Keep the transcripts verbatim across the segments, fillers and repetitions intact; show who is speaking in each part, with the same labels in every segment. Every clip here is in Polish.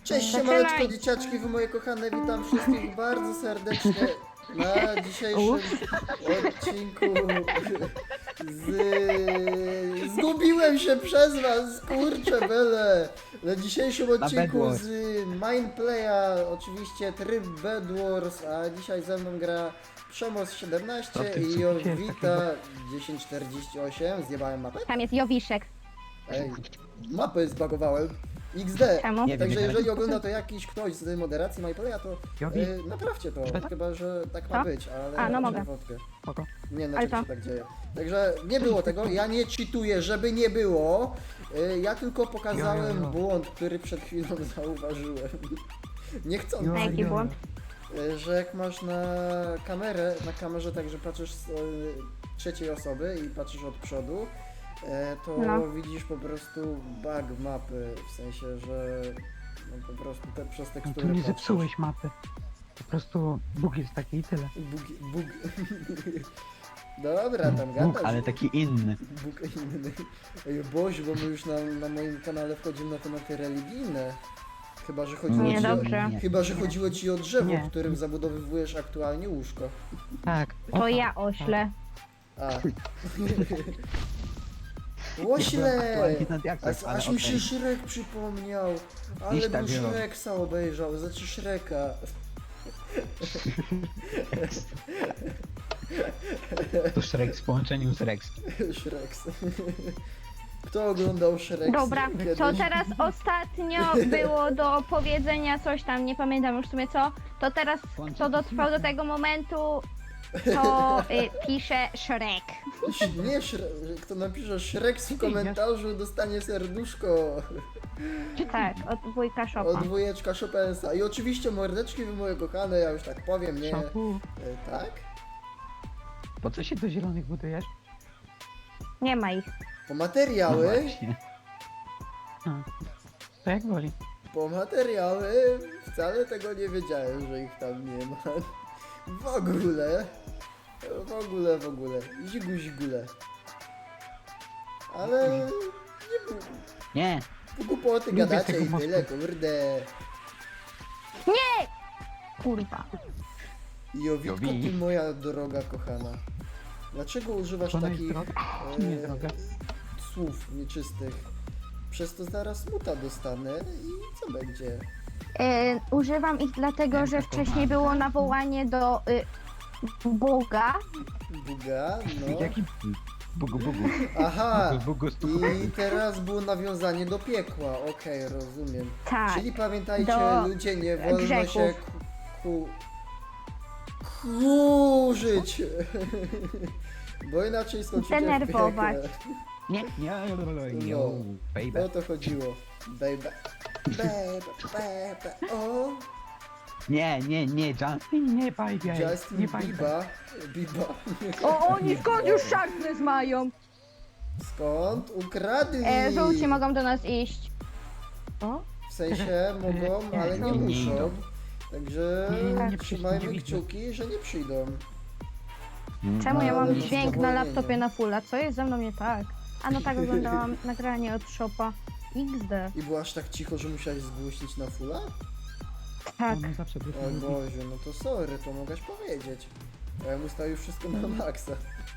Speaker 1: Cześć,
Speaker 2: Zaczynaj.
Speaker 1: siemaneczko dzieciaczki, wy moje kochane, witam wszystkich bardzo serdecznie na dzisiejszym odcinku z... Zgubiłem się przez was, kurczę bele! Na dzisiejszym odcinku z Mindplaya, oczywiście tryb Bed Wars, a dzisiaj ze mną gra Przemoc siedemnaście i Jowita dziesięć czterdzieści osiem. Zjebałem mapę?
Speaker 2: Tam jest Jowiszek.
Speaker 1: Ej, mapę zbagowałem. iks de.
Speaker 2: Czemu?
Speaker 3: Nie wiem,
Speaker 1: Także
Speaker 3: nie
Speaker 1: jeżeli
Speaker 3: wiem.
Speaker 1: ogląda to jakiś ktoś z moderacji MyPlaya, to
Speaker 3: Jowi?
Speaker 1: e, naprawcie to.
Speaker 3: Szweda?
Speaker 1: Chyba, że tak ma
Speaker 2: Co?
Speaker 1: być, ale
Speaker 2: A, no
Speaker 1: raczej
Speaker 2: mogę.
Speaker 1: wątpię.
Speaker 3: Spoko.
Speaker 1: Nie, na
Speaker 2: Ale
Speaker 1: czym
Speaker 2: co?
Speaker 1: się tak dzieje. Także nie było tego, ja nie cheatuję, żeby nie było. E, Ja tylko pokazałem
Speaker 3: Jo, jo, jo.
Speaker 1: błąd, który przed chwilą zauważyłem. Niechcący.
Speaker 2: A jaki błąd?
Speaker 1: E, Że jak masz na kamerę, na kamerze tak, że patrzysz z e, trzeciej osoby i patrzysz od przodu, e, to
Speaker 2: No.
Speaker 1: widzisz po prostu bug mapy, w sensie, że no, po prostu te, przez
Speaker 3: No
Speaker 1: tekstury
Speaker 3: tu nie
Speaker 1: patrzysz.
Speaker 3: zepsułeś mapy. Po prostu Bóg jest taki i tyle.
Speaker 1: Bug, bug. Dobra, tam
Speaker 3: Bóg,
Speaker 1: gadasz.
Speaker 3: ale taki inny.
Speaker 1: Bóg inny. Ej, Boś, bo my już na, na moim kanale wchodzimy na tematy religijne. Chyba, że chodziło
Speaker 2: Nie,
Speaker 1: ci
Speaker 2: dobrze.
Speaker 1: o, chyba, że chodziło ci o drzewo,
Speaker 3: Nie.
Speaker 1: w którym zabudowywujesz aktualnie łóżko.
Speaker 3: Tak.
Speaker 2: To ja oślę.
Speaker 1: A. Łośle!
Speaker 3: Aktualnie nad jak
Speaker 1: Aż,
Speaker 3: ale
Speaker 1: aż mi się
Speaker 3: okej.
Speaker 1: Shrek przypomniał. Ale
Speaker 3: Iść
Speaker 1: bym
Speaker 3: tak, jo.
Speaker 1: Shreksa obejrzał, znaczy Shreka.
Speaker 3: To Shrek w połączeniu z Rex.
Speaker 1: Shreks. Kto oglądał Shrek?
Speaker 2: Dobra, co teraz ostatnio było do powiedzenia coś tam, nie pamiętam już w sumie co, to teraz kto dotrwał do tego momentu, to y, pisze Shrek.
Speaker 1: Nie, Shre... kto napisze Shrek w komentarzu, dostanie serduszko
Speaker 2: Tak, od wujka
Speaker 1: od
Speaker 2: Szopa.
Speaker 1: dwójeczka Chopensa. I oczywiście mordeczki wy moje kochane, ja już tak powiem, nie?
Speaker 3: Szoku,
Speaker 1: E, tak?
Speaker 3: po co się do zielonych budujesz?
Speaker 2: Nie ma ich.
Speaker 1: Po
Speaker 3: No
Speaker 1: materiały,
Speaker 3: właśnie. A, to jak woli.
Speaker 1: po materiały, wcale tego nie wiedziałem, że ich tam nie ma. W ogóle, w ogóle, w ogóle, zigu zigule. Ale nie było.
Speaker 3: Nie!
Speaker 1: Głupoty
Speaker 3: Lubię
Speaker 1: gadacie
Speaker 3: tego
Speaker 1: i
Speaker 3: mostu.
Speaker 1: tyle, kurde.
Speaker 2: Kurwa.
Speaker 1: Jowitko,
Speaker 3: Jowi.
Speaker 1: ty moja droga kochana. Dlaczego używasz
Speaker 3: To ona jest
Speaker 1: takich
Speaker 3: droga? Czy nie
Speaker 1: e,
Speaker 3: droga?
Speaker 1: słów nieczystych? Przez to zaraz muta dostanę i co będzie?
Speaker 2: Y, używam ich dlatego, że wcześniej było nawołanie do y, Boga.
Speaker 1: Buga, no.
Speaker 3: Jaki Bugu, Bugu.
Speaker 1: Aha!
Speaker 3: Bugu, Bugu, stuku.
Speaker 1: I teraz było nawiązanie do piekła, okej, rozumiem.
Speaker 2: Tak.
Speaker 1: Czyli pamiętajcie,
Speaker 2: do
Speaker 1: ludzie, nie wolno
Speaker 2: grzechów.
Speaker 1: się ku... kurzyć! Bo inaczej skończycie w
Speaker 2: Denerwować.
Speaker 1: piekle.
Speaker 3: Nie, nie,
Speaker 1: No.
Speaker 3: yo,
Speaker 1: O
Speaker 3: baby.
Speaker 1: to chodziło. Baby. Baby, baby, o!
Speaker 3: Nie, nie, nie, Justin, nie baby.
Speaker 1: Justin
Speaker 3: nie baby.
Speaker 1: Biba. Biba.
Speaker 2: O, oni skąd już sharpness mają?
Speaker 1: Skąd? Ukradli!
Speaker 2: E, żółci mogą do nas iść. O?
Speaker 1: W sensie mogą,
Speaker 3: Nie,
Speaker 1: ale nie
Speaker 3: nie, nie
Speaker 1: muszą.
Speaker 3: idą.
Speaker 1: Także
Speaker 3: Nie, nie, nie
Speaker 1: trzymajmy
Speaker 3: przyjdą, nie
Speaker 1: kciuki, że nie przyjdą.
Speaker 2: Czemu ja
Speaker 1: Ale
Speaker 2: mam
Speaker 1: bez
Speaker 2: dźwięk na
Speaker 1: powolnienia.
Speaker 2: laptopie na fulla? Co jest ze mną nie tak? A no tak oglądałam nagranie od Shopa. iks de.
Speaker 1: I było aż tak cicho, że musiałeś zgłosić na fulla?
Speaker 2: Tak.
Speaker 3: Ona zawsze tylko
Speaker 1: O
Speaker 3: mówi.
Speaker 1: Boziu, no to sorry, to mogłaś powiedzieć. A ja mu stawił wszystko na maksa.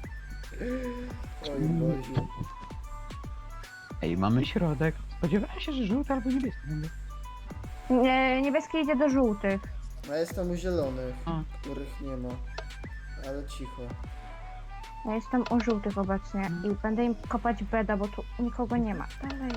Speaker 1: Oj Boziu.
Speaker 3: Ej, mamy środek. Spodziewałem się, że żółty albo niebieski będzie.
Speaker 2: Nie, niebieski idzie do żółtych.
Speaker 1: A jestem u zielonych,
Speaker 3: A.
Speaker 1: których nie ma. Ale cicho.
Speaker 2: Ja jestem u żółtych obecnie i będę im kopać beda, bo tu nikogo nie ma. Dalej.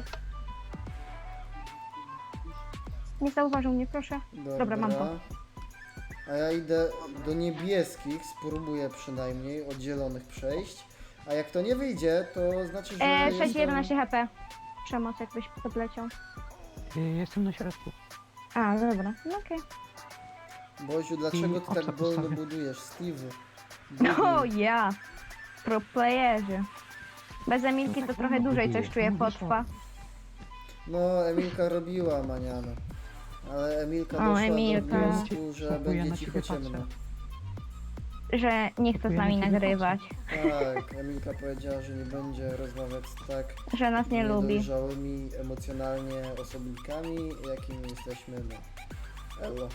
Speaker 2: Nie zauważył mnie, proszę.
Speaker 1: Dobra.
Speaker 2: Dobra, mam to.
Speaker 1: A ja idę do niebieskich, spróbuję przynajmniej od zielonych przejść. A jak to nie wyjdzie, to znaczy, że
Speaker 2: E,
Speaker 1: jestem...
Speaker 2: sześć jedenaście H P. Przemoc jakbyś podleciał.
Speaker 3: Y, Jestem na środku.
Speaker 2: A, dobra, no okej.
Speaker 1: Boziu, dlaczego ty
Speaker 3: I
Speaker 1: tak
Speaker 3: owca
Speaker 1: wolno
Speaker 3: postawię.
Speaker 1: budujesz? Steve.
Speaker 2: O ja! Pro playerze. Bez Emilki
Speaker 3: No
Speaker 2: to
Speaker 3: tak
Speaker 2: trochę
Speaker 3: samo
Speaker 2: dłużej
Speaker 3: buduje.
Speaker 2: coś czuję
Speaker 3: No
Speaker 2: potrwa.
Speaker 1: No, Emilka robiła maniana. Ale Emilka
Speaker 2: O,
Speaker 1: doszła
Speaker 2: Emilka.
Speaker 1: do wniosku, że
Speaker 3: Próbuję
Speaker 1: będzie
Speaker 3: na
Speaker 1: cicho
Speaker 3: ciebie
Speaker 1: ciemno.
Speaker 3: patrzeć.
Speaker 2: że nie chce z nami
Speaker 3: Dziękuję,
Speaker 2: nagrywać,
Speaker 1: Tak, Emilka powiedziała, że nie będzie rozmawiać z tak
Speaker 2: że nas nie lubi.
Speaker 1: niedojrzałymi emocjonalnie osobnikami, jakimi jesteśmy, no. Elo.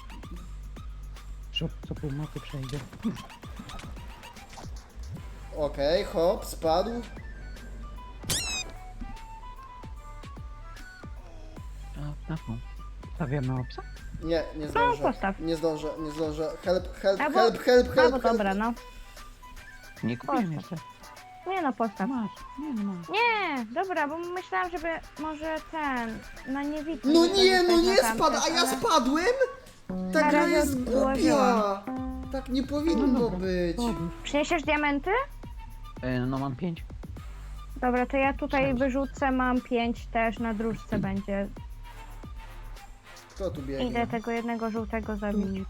Speaker 3: Co, co pół mapy przejdzie.
Speaker 1: Okej, hop, spadł.
Speaker 3: A, na tą. Stawiamy obsa?
Speaker 1: Nie, nie
Speaker 2: No,
Speaker 1: zdążę.
Speaker 2: postaw.
Speaker 1: Nie zdążę, nie zdążę. Help, help,
Speaker 2: Albo-
Speaker 1: help, help, help,
Speaker 2: Albo
Speaker 1: help.
Speaker 2: dobra, no.
Speaker 3: Nie kupiłem
Speaker 2: Postaw.
Speaker 3: jeszcze.
Speaker 2: Nie no, postaw.
Speaker 3: Masz. Nie, nie masz.
Speaker 2: Nie, dobra, bo myślałam, żeby może ten, na niewidkę.
Speaker 1: No nie, no
Speaker 2: zostać
Speaker 1: nie
Speaker 2: na tamten,
Speaker 1: spadł, a ja
Speaker 2: ale-
Speaker 1: spadłem? Ta
Speaker 2: Na
Speaker 1: gra
Speaker 2: razie
Speaker 1: jest głupia.
Speaker 2: odłożyłam.
Speaker 1: Tak nie powinno
Speaker 3: dobra.
Speaker 1: być.
Speaker 3: Ładnie.
Speaker 2: Przyniesiesz diamenty?
Speaker 3: E, no mam pięć.
Speaker 2: Dobra, to ja tutaj
Speaker 3: Sześć.
Speaker 2: wyrzucę, mam pięć też, na dróżce będzie.
Speaker 1: Kto tu
Speaker 2: Idę
Speaker 1: biegnie?
Speaker 2: tego jednego żółtego zabić.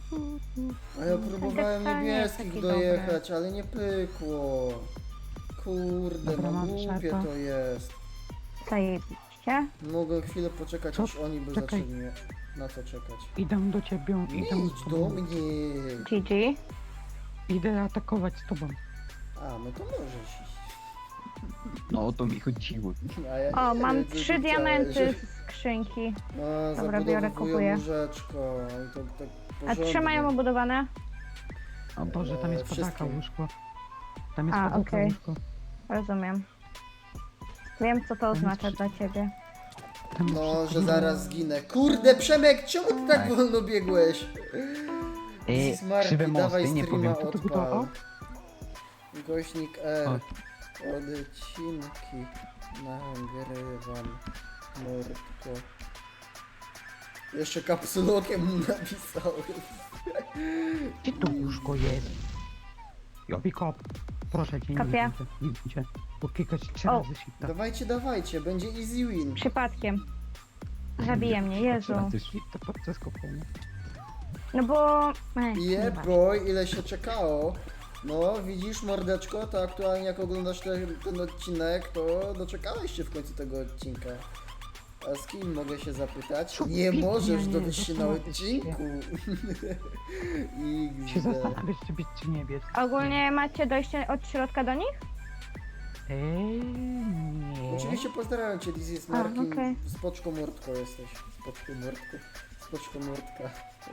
Speaker 1: A ja próbowałem
Speaker 2: Ten nie jest
Speaker 1: niebieskich
Speaker 2: taki
Speaker 1: dojechać, ale nie pykło. Kurde,
Speaker 3: Dobra,
Speaker 1: no
Speaker 3: mam
Speaker 1: głupie
Speaker 3: szarpa.
Speaker 1: to jest.
Speaker 2: Zajebiście.
Speaker 1: Mogę chwilę poczekać,
Speaker 3: Co?
Speaker 1: aż oni by
Speaker 3: Czekaj.
Speaker 1: zaczęli mnie na to czekać.
Speaker 3: Idę do ciebie,
Speaker 1: Nie
Speaker 3: idę
Speaker 1: idź
Speaker 3: z
Speaker 1: do
Speaker 3: tobą.
Speaker 1: mnie.
Speaker 2: G G.
Speaker 3: Idę atakować z tobą.
Speaker 1: A, no to możesz iść.
Speaker 3: No o to mi chodziło.
Speaker 1: A ja
Speaker 2: O,
Speaker 1: nie
Speaker 2: mam
Speaker 1: wiem, co
Speaker 2: trzy
Speaker 1: ty
Speaker 2: diamenty
Speaker 1: chciałeś.
Speaker 2: z skrzynki.
Speaker 1: No,
Speaker 2: Dobra, biorę, kupuję.
Speaker 1: zabudowuję łóżeczko i to tak
Speaker 2: A
Speaker 1: porządnie.
Speaker 2: trzy mają obudowane?
Speaker 3: O Boże, tam jest
Speaker 1: Eee,
Speaker 3: padaka
Speaker 1: wszystkim.
Speaker 3: łóżko. Tam jest
Speaker 2: A,
Speaker 3: padaka
Speaker 2: okej.
Speaker 3: łóżko.
Speaker 2: Rozumiem. Wiem, co to oznacza dla ciebie.
Speaker 3: Tam jest
Speaker 1: No,
Speaker 3: wszystko.
Speaker 1: że zaraz zginę. Kurde, Przemek, czemu ty tak
Speaker 3: Tak.
Speaker 1: wolno biegłeś?
Speaker 3: Eee,
Speaker 1: Smarty,
Speaker 3: krzywe
Speaker 1: dawaj
Speaker 3: mosty, nie
Speaker 1: streama
Speaker 3: powiem, kto to
Speaker 1: odpal.
Speaker 3: budował?
Speaker 1: Gośnik R.
Speaker 3: O.
Speaker 1: Odcinki nagrywam. Mordko. Jeszcze kapsulokiem mu napisałem.
Speaker 3: Gdzie to łóżko jest? Jobi kop. Proszę cię, nie
Speaker 2: Kopię.
Speaker 3: widzę, nie widzę. Bo klikać trzy
Speaker 2: O.
Speaker 3: razy shifta.
Speaker 1: Dawajcie, dawajcie, będzie easy win.
Speaker 2: Przypadkiem. Zabije mnie, Jezu.
Speaker 3: Trzy razy shifta podczas kopania.
Speaker 2: No bo... Ech, nie
Speaker 1: Yeah
Speaker 2: ma.
Speaker 1: boy, ile się czekało. No, widzisz mordeczko, to aktualnie jak oglądasz ten, ten odcinek, to doczekałeś się w końcu tego odcinka. A z kim mogę się zapytać?
Speaker 3: Co
Speaker 1: Nie
Speaker 3: pięknie,
Speaker 1: możesz
Speaker 3: nie,
Speaker 1: dowiedzieć się na
Speaker 3: zastanawiać się.
Speaker 1: odcinku.
Speaker 3: Się
Speaker 1: X D.
Speaker 3: zastanawiać, czy być, czy nie być.
Speaker 2: Ogólnie macie dojście od środka do nich?
Speaker 3: Eee, nie.
Speaker 1: Oczywiście pozdrawiam cię, Dizzy z
Speaker 2: A,
Speaker 1: Markiem.
Speaker 2: okej.
Speaker 1: Spoczko mordko jesteś. Spoczko mordko. Spoczko mordka.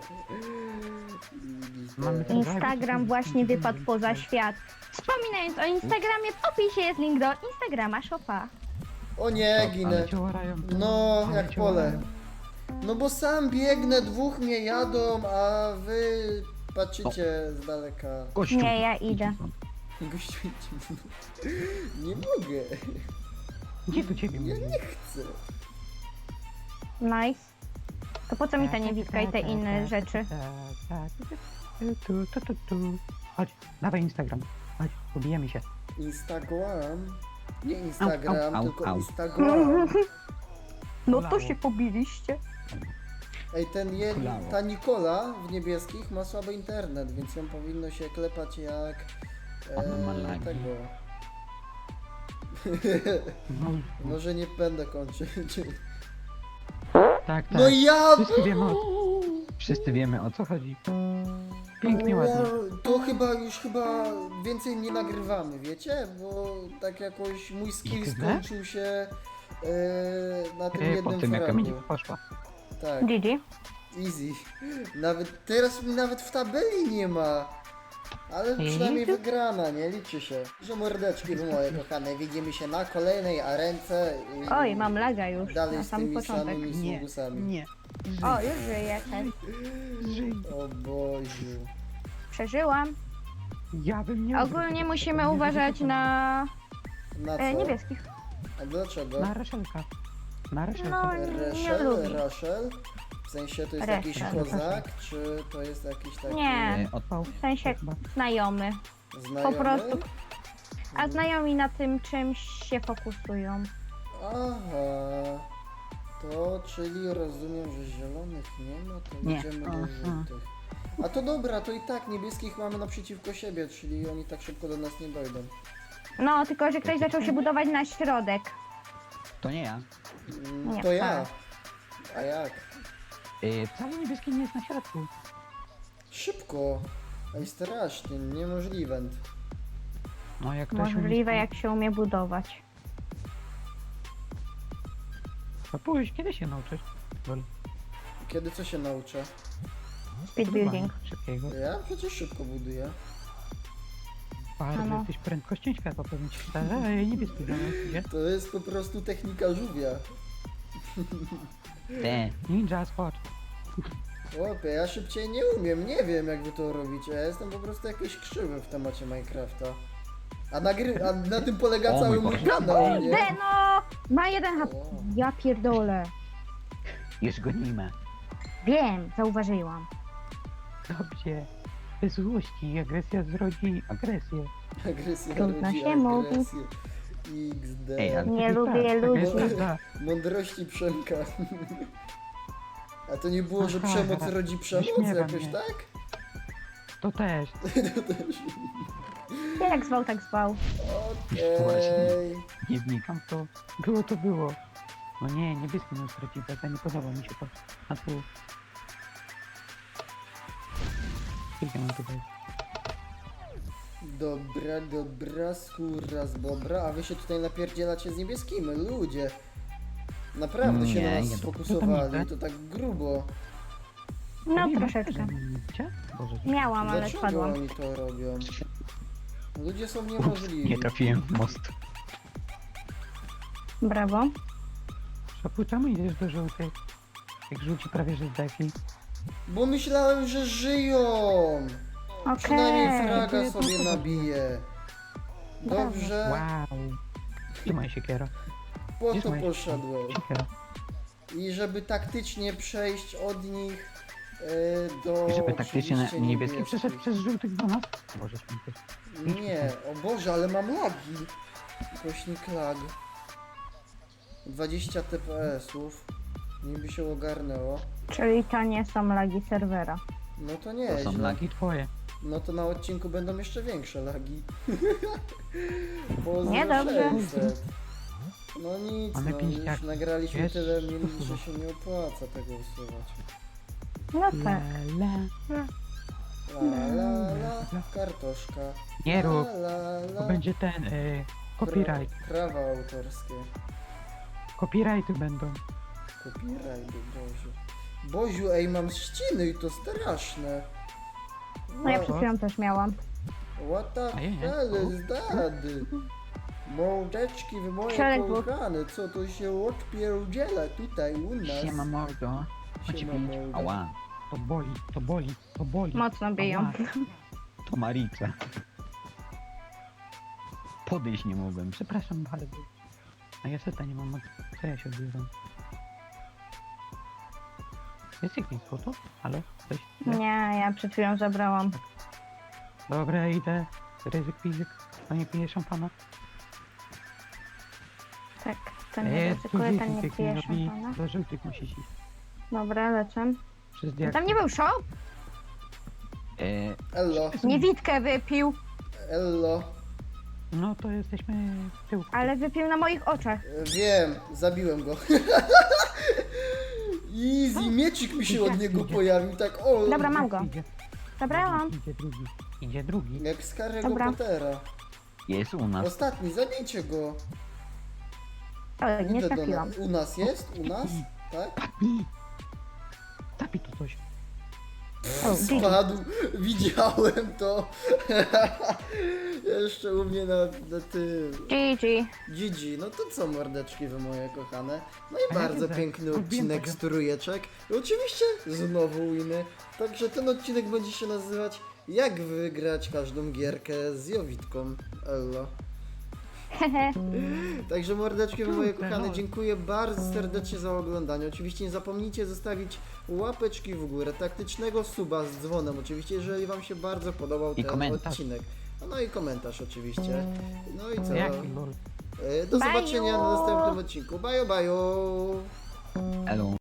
Speaker 1: X D.
Speaker 3: Mamy ten-
Speaker 2: Instagram właśnie wypadł poza świat. Wspominając o Instagramie, w opisie jest link do Instagrama Shopa.
Speaker 1: O nie,
Speaker 3: Ale
Speaker 1: ginę.
Speaker 3: cię łarają.
Speaker 1: No,
Speaker 3: Ale
Speaker 1: jak
Speaker 3: cię
Speaker 1: pole.
Speaker 3: łarają.
Speaker 1: No bo sam biegnę, dwóch mnie jadą, a wy patrzycie z daleka.
Speaker 3: Gościu.
Speaker 2: Nie, ja idę.
Speaker 1: Gościu, idź. Nie mogę.
Speaker 3: Gdzie do ciebie
Speaker 1: Ja
Speaker 3: mówię?
Speaker 1: nie chcę.
Speaker 2: Nice. To po co mi ta niewidka i te inne rzeczy?
Speaker 3: Tu, tu, tu, tu. Chodź, dawaj Instagram. Chodź, pobijemy się.
Speaker 1: Instagram. Nie Instagram,
Speaker 3: Au, au,
Speaker 1: tylko
Speaker 3: au.
Speaker 1: Instagram.
Speaker 2: No to się pobiliście.
Speaker 1: Ej, ten je,
Speaker 3: Kulało.
Speaker 1: ta Nikola w niebieskich ma słaby internet, więc ją powinno się klepać jak
Speaker 3: Ona ma
Speaker 1: e,
Speaker 3: lagi.
Speaker 1: tego.
Speaker 3: No,
Speaker 1: Może nie będę kończyć.
Speaker 3: tak, tak.
Speaker 1: No ja!
Speaker 3: Wszyscy wiemy o, wszyscy wiemy o co chodzi. Pięknie, ładnie.
Speaker 1: Wow, to chyba już chyba więcej nie nagrywamy, wiecie? Bo tak jakoś mój skill
Speaker 3: X D?
Speaker 1: skończył się e, na tym
Speaker 3: E, po
Speaker 1: jednym
Speaker 3: tym jak
Speaker 1: fragu.
Speaker 3: Kamieniuk poszła.
Speaker 1: Tak,
Speaker 2: G G.
Speaker 1: easy. Nawet teraz mi nawet w tabeli nie ma. Ale przynajmniej
Speaker 3: Easy?
Speaker 1: wygrana, nie? Liczy się. Że mordeczki wy moje kochane, widzimy się na kolejnej arence. I
Speaker 2: Oj, mam laga już
Speaker 1: Dalej
Speaker 2: na
Speaker 1: z
Speaker 2: sam
Speaker 1: tymi
Speaker 2: początek.
Speaker 1: samymi
Speaker 3: Nie,
Speaker 1: sługusami.
Speaker 3: nie.
Speaker 2: O, już żyję też.
Speaker 3: Żyj.
Speaker 1: O Boziu.
Speaker 2: Przeżyłam.
Speaker 3: Ja bym nie
Speaker 2: Ogólnie musimy uważać na
Speaker 1: Na co?
Speaker 2: e, niebieskich.
Speaker 1: A dlaczego?
Speaker 3: Na Raszelka. Na Raszelka.
Speaker 2: No, nie
Speaker 1: Reszel,
Speaker 2: lubi.
Speaker 1: Raszel? W sensie to jest
Speaker 2: Reszel.
Speaker 1: jakiś kozak, czy to jest jakiś taki
Speaker 2: Nie.
Speaker 3: E, odpał.
Speaker 2: W sensie
Speaker 3: Chyba.
Speaker 2: znajomy.
Speaker 1: znajomy?
Speaker 2: Po prostu. A znajomi na tym czymś się fokusują.
Speaker 1: Aha. To czyli rozumiem, że zielonych nie ma, to
Speaker 3: Nie.
Speaker 1: idziemy do
Speaker 3: Aha.
Speaker 1: żółtych. A to dobra, to i tak niebieskich mamy naprzeciwko siebie, czyli oni tak szybko do nas nie dojdą.
Speaker 2: No, tylko że ktoś zaczął się budować na środek.
Speaker 3: To nie ja.
Speaker 1: Mm,
Speaker 2: Nie,
Speaker 1: to ja.
Speaker 2: wcale.
Speaker 1: A jak?
Speaker 3: E, wcale niebieski nie jest na środku.
Speaker 1: Szybko. Ej, strasznie, niemożliwe.
Speaker 3: No jak ktoś
Speaker 2: Możliwe,
Speaker 3: umie-
Speaker 2: jak się umie budować.
Speaker 3: No pójdź, kiedy się nauczysz? Lol.
Speaker 1: Kiedy co się nauczę?
Speaker 2: Speed building.
Speaker 3: Szybkiego.
Speaker 1: Ja przecież szybko buduję.
Speaker 3: Bardzo
Speaker 2: Ano.
Speaker 3: jesteś prędkością światła, powiem ci szczerze, a ja niebieski domek, gdzie?
Speaker 1: To jest po prostu technika żółwia.
Speaker 3: Te. Ninja spot.
Speaker 1: Chłopie, ja szybciej nie umiem, nie wiem jak wy to robicie. Ja jestem po prostu jakiś krzywy w temacie Minecrafta. A, nagry- a na tym polega
Speaker 3: O
Speaker 1: cały
Speaker 3: mój
Speaker 1: mój
Speaker 3: Boże.
Speaker 1: kanał, nie?
Speaker 2: De, no! Ma jeden H P.
Speaker 1: O.
Speaker 2: Ja pierdolę.
Speaker 3: Już gonimy.
Speaker 2: Wiem, zauważyłam.
Speaker 3: Dobrze. Bez złości, agresja zrodzi agresję.
Speaker 1: Agresja
Speaker 2: Trudno
Speaker 1: rodzi
Speaker 2: się mówi.
Speaker 1: agresję. X D.
Speaker 3: Ej, ale-
Speaker 2: Nie
Speaker 3: Tak,
Speaker 2: lubię
Speaker 3: tak,
Speaker 2: ludzi.
Speaker 3: jest prawda.
Speaker 1: Mądrości Przemka. A to nie było, że
Speaker 3: Aha,
Speaker 1: przemoc
Speaker 3: aha.
Speaker 1: rodzi przemoc
Speaker 3: Wyśmiewa
Speaker 1: jakoś,
Speaker 3: mnie.
Speaker 1: tak?
Speaker 3: To też.
Speaker 1: To też.
Speaker 2: Jak zwał, tak zwał.
Speaker 1: Okej.
Speaker 3: Nie wnikam w to. Było to było. No nie, niebieski nie straci, to nie podoba mi się to. A tu... Ile mam tutaj?
Speaker 1: Dobra, dobra, skóra z bobra, a wy się tutaj napierdzielacie z niebieskimi, ludzie. Naprawdę się
Speaker 3: Nie,
Speaker 1: na
Speaker 3: nie,
Speaker 1: nas
Speaker 3: to- to
Speaker 1: sfokusowali,
Speaker 3: tam
Speaker 1: to tak grubo.
Speaker 2: No
Speaker 3: Robimy?
Speaker 2: troszeczkę.
Speaker 3: Gdzie? Boże.
Speaker 2: Miałam, ale
Speaker 1: Dlaczego
Speaker 2: spadłam.
Speaker 1: oni to robią? Ludzie są
Speaker 3: Ups,
Speaker 1: niemożliwi.
Speaker 3: nie trafiłem w most.
Speaker 2: Brawo.
Speaker 3: Szopu, czemu idziesz do żółtej? Jak żółci prawie że zdechli.
Speaker 1: Bo myślałem, że żyją!
Speaker 2: Okej.
Speaker 1: Przynajmniej fraga
Speaker 3: Dziękuję,
Speaker 1: sobie
Speaker 3: to-
Speaker 1: nabiję. Dobrze,
Speaker 3: Wow. Gdzie moja siekiera?
Speaker 1: po
Speaker 3: Gdzie
Speaker 1: to
Speaker 3: moja
Speaker 1: poszedłem.
Speaker 3: Siekiera.
Speaker 1: I żeby taktycznie przejść od nich e, do
Speaker 3: I żeby taktycznie na
Speaker 1: oczywiście
Speaker 3: niebieski
Speaker 1: niebieskich.
Speaker 3: przeszedł przez żółtych do nas? Boże święty.
Speaker 1: Nie, o Boże, ale mam lagi. Kośnik lag. dwadzieścia T P S-ów. Niby się ogarnęło.
Speaker 2: Czyli to nie są lagi serwera.
Speaker 1: No to
Speaker 3: To
Speaker 1: nie,
Speaker 3: są lagi twoje.
Speaker 1: No to na odcinku będą jeszcze większe lagi. Pozdro
Speaker 2: Nie, dobrze.
Speaker 1: sześćset. No nic,
Speaker 3: Mamy
Speaker 1: no
Speaker 3: pięć
Speaker 1: już
Speaker 3: jak-
Speaker 1: nagraliśmy
Speaker 3: jest-
Speaker 1: tyle minut, że się nie opłaca tego usuwać.
Speaker 2: No
Speaker 3: La,
Speaker 2: tak.
Speaker 3: la.
Speaker 1: La la la, kartoszka.
Speaker 3: Nie rób.
Speaker 1: La la
Speaker 3: To
Speaker 1: la.
Speaker 3: będzie ten, y, copyright.
Speaker 1: Pra- Prawa autorskie.
Speaker 3: Copyrighty będą.
Speaker 1: Copyright, Boziu. Boziu, ej, mam ściny i to straszne.
Speaker 2: No ja
Speaker 1: What-
Speaker 2: przed chwilą też miałam.
Speaker 1: What the
Speaker 3: A ja nie.
Speaker 1: hell is that? Mordeczki w moje
Speaker 2: Środek był.
Speaker 1: kochane, co to się odpierdziela tutaj u nas?
Speaker 3: Siema mordo. Chodź
Speaker 1: Siema,
Speaker 3: pić.
Speaker 1: mordo.
Speaker 3: Ała. To boli, to boli, to boli.
Speaker 2: Mocno biją.
Speaker 3: Ała. To Marica. Podejść nie mogłem. Przepraszam bardzo. A ja seta nie mam. Co ja się odbieram? Jest jakieś złoto? Halo? Coś?
Speaker 2: Nie, ja przed chwilą zabrałam.
Speaker 3: Dobra, idę. Ryzyk fizyk. To nie pije szampana?
Speaker 2: Tak, ten
Speaker 3: Eee,
Speaker 2: nie
Speaker 3: tu
Speaker 2: ryzykuje, ten
Speaker 3: dzieci
Speaker 2: nie
Speaker 3: pięknie
Speaker 2: pije
Speaker 3: robi.
Speaker 2: szampana.
Speaker 3: Do żółtych musisz iść.
Speaker 2: Dobra, lecę.
Speaker 3: Przez
Speaker 2: No
Speaker 3: diak.
Speaker 2: tam nie był shop?
Speaker 3: Eee,
Speaker 1: Ello,
Speaker 2: Niewidkę wypił,
Speaker 1: Ello.
Speaker 3: no to jesteśmy w tyłku.
Speaker 2: ale wypił na moich oczach.
Speaker 1: E, Wiem, zabiłem go. Easy, miecik mi się od niego pojawił, tak o.
Speaker 2: Dobra, mam go.
Speaker 3: Idzie.
Speaker 2: Zabrałam.
Speaker 3: Idzie drugi. Idzie drugi.
Speaker 1: Jak z Harry'ego
Speaker 2: Dobra.
Speaker 1: Pottera.
Speaker 3: Jest u nas.
Speaker 1: Ostatni, zabijcie go.
Speaker 2: O, nie
Speaker 1: Idę do
Speaker 2: trafiłam.
Speaker 1: nas. U nas jest? U nas? Tak?
Speaker 3: Zapij. Zapij to coś.
Speaker 2: O, G G.
Speaker 1: Spadł, widziałem to. Jeszcze u mnie na, na tym.
Speaker 2: G G.
Speaker 1: G G, no to co mordeczki wy moje kochane. No i
Speaker 3: A ja
Speaker 1: bardzo
Speaker 3: widzę.
Speaker 1: piękny
Speaker 3: Lubię
Speaker 1: odcinek
Speaker 3: tego.
Speaker 1: z trójeczek. I oczywiście znowu winy. Także ten odcinek będzie się nazywać Jak wygrać każdą gierkę z Jowitką. Ello.
Speaker 2: Hehe.
Speaker 1: Także mordeczki wy moje
Speaker 3: Kurde,
Speaker 1: kochane,
Speaker 3: no.
Speaker 1: dziękuję bardzo serdecznie za oglądanie. Oczywiście nie zapomnijcie zostawić łapeczki w górę, taktycznego suba z dzwonem oczywiście, jeżeli wam się bardzo podobał
Speaker 3: I
Speaker 1: ten
Speaker 3: komentarz.
Speaker 1: odcinek. No i komentarz oczywiście. No i co?
Speaker 3: Jaki lol.
Speaker 1: E, Do
Speaker 2: Baju.
Speaker 1: zobaczenia na następnym odcinku. Bye bye.
Speaker 3: Elo.